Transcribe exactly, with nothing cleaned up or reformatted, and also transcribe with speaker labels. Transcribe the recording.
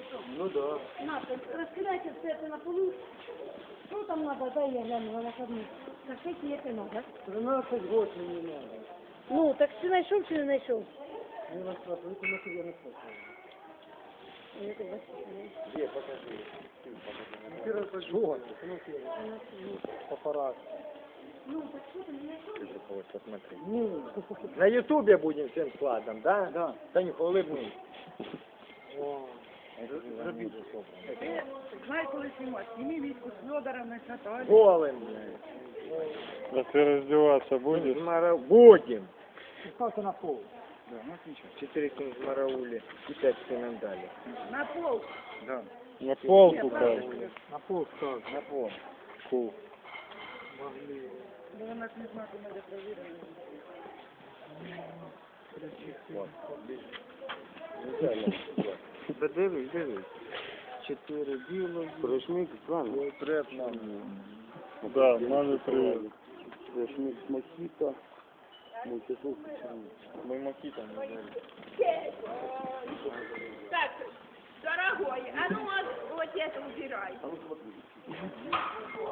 Speaker 1: Ну да.
Speaker 2: На, раскидайте все это на полу. Что там надо? Дай я гляну на накладную. Скажите, это надо.
Speaker 1: тринадцать год мені надо.
Speaker 2: Ну, так ты нашел, чи не нашел?
Speaker 1: Не на страху, это на тебе на страху. Где, покажи. Первый пошел. Папарат.
Speaker 2: Ну, так что ты не нашел?
Speaker 3: Вот, посмотри.
Speaker 1: Ну,
Speaker 3: На ютубе будем всем складом, да?
Speaker 1: да.
Speaker 3: Танюха, улыбнись.
Speaker 1: О,
Speaker 4: Знай, коли знімати. Зніми міску з Федором, на Наталью.
Speaker 3: Голым, блядь.
Speaker 5: А ты раздеваться будешь?
Speaker 3: Мара- Будем.
Speaker 1: ставьте на пол. Да, ну ничего.
Speaker 3: Четыре сына в Марауле и пять сынам дали.
Speaker 4: На пол.
Speaker 1: Да.
Speaker 5: На полку как?
Speaker 1: На пол ставь.
Speaker 3: На пол.
Speaker 5: Фу.
Speaker 4: Бо вона ж не знати, де провірити.
Speaker 3: Вот. Да дивись, дивись. Чотири біло. Прижмик з вами. Треп нам.
Speaker 5: Да, маме привет.
Speaker 3: Прижмик з Макіта. Мультизук. Мой Макіта не знаю.
Speaker 4: Так, дорогой, а ну вот это убирай.